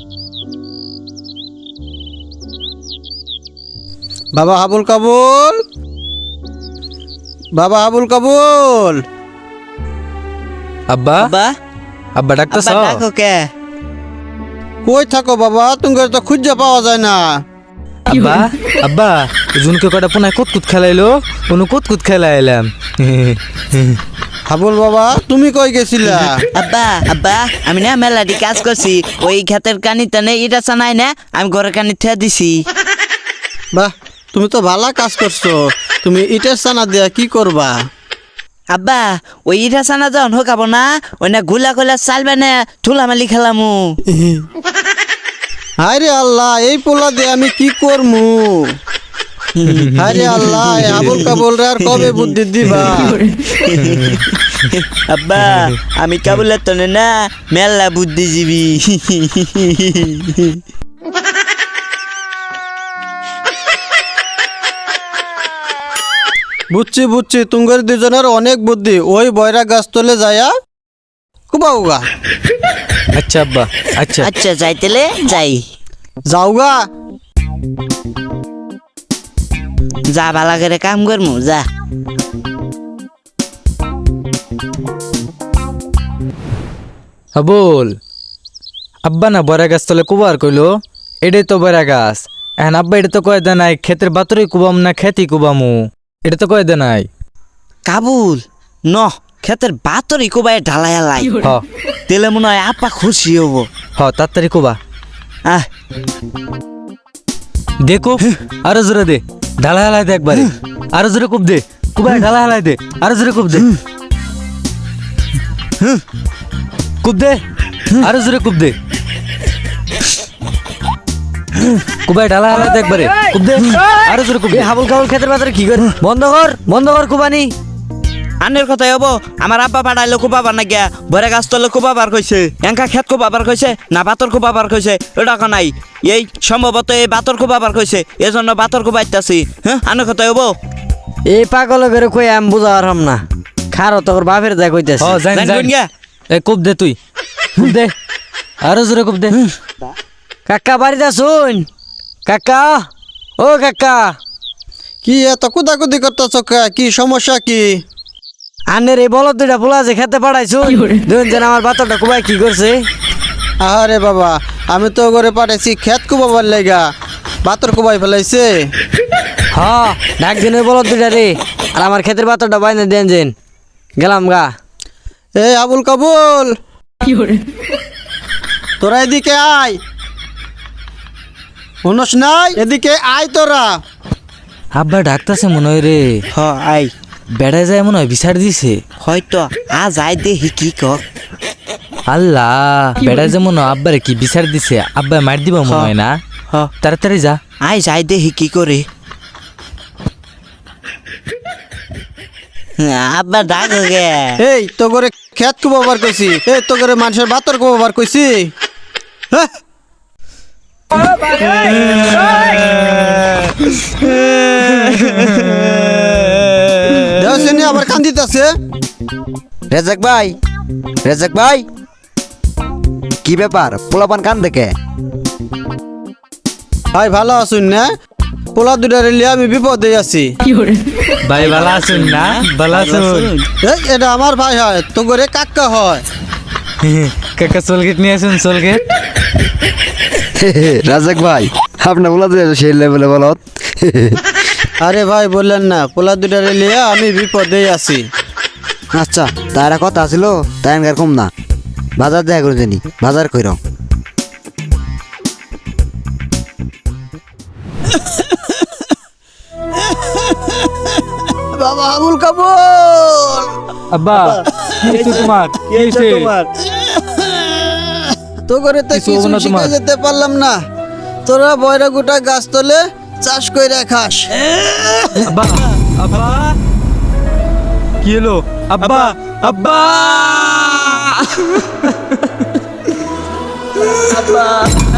বাবা আবুল কাবুল, বাবা আবুল কাবুল। আব্বা আব্বা আব্বা ডাকতেছ? আব্বা ডাকো কে? কই থাকো বাবা? তোমাকে তো খুঁজে পাওয়া যায় না। আব্বা আব্বা জুনকে কটা পুনায় কুতকুত খেলাইলো, কোনো কুতকুত খেলাইলাম। আবুল বাবা তুমি কই গেছিলা? আব্বা আব্বা আমি না মেলাটি কাজ করছি, ওই ক্ষেতের কানিতে নেই ইটা চানাই না, আমি ঘরের কানি থিয়া দিছি। বাহ, তুমি তো ভালো কাজ করছো। তুমি ইটের চানা দিয়া কি করবা? আব্বা ওই ইটা চানা যখন হোকাবো না, ওই না গুলা গুলা চালবে না ঠুলামালি খেলামু। হায়রে আল্লাহ, এই পোলা দিয়ে আমি কি করমু? হায়রে আল্লাহ, এই আবুল কাবুল রে আর কবে বুদ্ধি দিবা? আব্বা আমি কাবুলের তনে না মেলা বুদ্ধিজীবী। বুঝছি বুঝছি, তুঙ্গের দুজনের অনেক বুদ্ধি। ওই বয়রা গাছ তলে যায়া কুবাউগা। আচ্ছা আব্বা আচ্ছা। আচ্ছা যাইতেলে যাই। যাওগা। যা ভালা করে কাম করমু যা। আবুল আব্বা না বড়া গাছ তলে কুবার কইলো, এটাই তো বড়া গাছ। এখন আব্বা এটা তো কয়ে দে নাই ক্ষেতের বাতরে কুবাম না খেতি কুবামু, এটা তো কয়ে দে নাই। কাবুল ন ক্ষেতের বাতরি কোবাই ঢালাই লাই, হ তেলে মনে হয় আপা খুশি হবো। হ তাড়াতাড়ি কুবা। আহ দেখো আরো জোরে দে, ঢালা হেলাই দে একবারে। আরো জোরে কুব দে, কুবাই ঢালা হেলাই দে। আরো জোরে কুব দে, কুব দে। আরো জোরে কুব দে, কুবাই ঢালা হেলাই দে একবারে। কুব দে, আরো জোরে কুব দে। হাবুল কাবুল ক্ষেতের বাজারে কি কর? বন্ধ কর কুবানি। আনের কথাই হবো, আমার আব্বা পাঠাইলো কোপাবার না গিয়া বরে গাছ তলে কোপাবার কইছে, এঙ্কা ক্ষেত কোপাবার কইছে না বাতর কোপাবার কইছে ওটা নাই। এই সম্ভবত এই বাতর কোপাবার কইছে, এজন্য বাতর কোপাইতাছি। হ্যাঁ আনের কথাই হবো। এই পাগল করে কই আমি বুঝা পারলাম না। খারো তোর বাপের যা কইতেছে। হ জান জান জান। কোন গিয়া? এ কুব দে তুই, কুব দে। আরো জোরে কুব দে। কাকা বাড়িতে শুন। কাকা ও কাকা, কি এত কুদাকুদি করতেছ? কি সমস্যা কি? আনের এই বলদ দুইটা পোলা যে খেতে পাঠাইছুন, দুজন যেন আমার বাতরটা কুবাই কি করছে? আরে বাবা, আমি তো করে পাঠাইছি ক্ষেত কুবাবার লেগা, বাতর কুবাই ফেলাইছে। হ ডাক দিন ওই বলদ দুইটা রে, আর আমার ক্ষেতের বাতরটা বাইনে দেন যেন। গেলাম গা। এই আবুল কাবুল, তোরা এদিকে আয়। শুনস নাই? এদিকে আয় তোরা। আব্বা ডাকতাছে মনে হয় রে। হ আই বেড়ায় যায় মনে হয় বিচার দিছে। হয়তো যাই দেখি কি কর। আল্লাহ, বেড়ায় যে মনে হয় আব্বারে কি বিচার দিছে। আব্বা মার দিব মনে হয় না। হ তাড়াতাড়ি যা। আই যাই দেখি কি করে। আব্বা ডাকো গে। এই তো করে ক্ষেত কুবাবার কইছি, এই তো করে মানুষের বাতর কুবাবার কইছি। হ্যাঁ? দেও শুনি আবার কান্দিতেছে। রেজাক ভাই, রেজাক ভাই, কি ব্যাপার? পোলাপান কান দেখে? ভাই ভালো আছুন না? পোলা দুটা রেলিয়ে আমি বিপদে আছি। ভাই ভালো আছেন না? ভালো আছেন? এই এটা আমার ভাই হয়, তো করে কাকা হয়। কাকা সোলগেট নিয়ে আসুন, সোলগেট। রাজাক ভাই, আপনার বলা সেই লেভেলে বলত। আরে ভাই বললেন না, পোলা দুটা রেলিয়ে আমি বিপদে আছি। আচ্ছা, তারা কথা ছিল তাই আর কম না। বাজার দেখা করে জানি, বাজার কইর। বাবা আবুল কাবুল, আব্বা কি হইছে তোমার? কি হইছে? তো করে তো কিছু হবো কিছু না শিখে তোমার। যেতে পারলাম না। তোরা বয়রা গোটা গাছ তলে চাষ কইরা খাস। আব্বা আব্বা কি হলো? আব্বা আব্বা আব্বা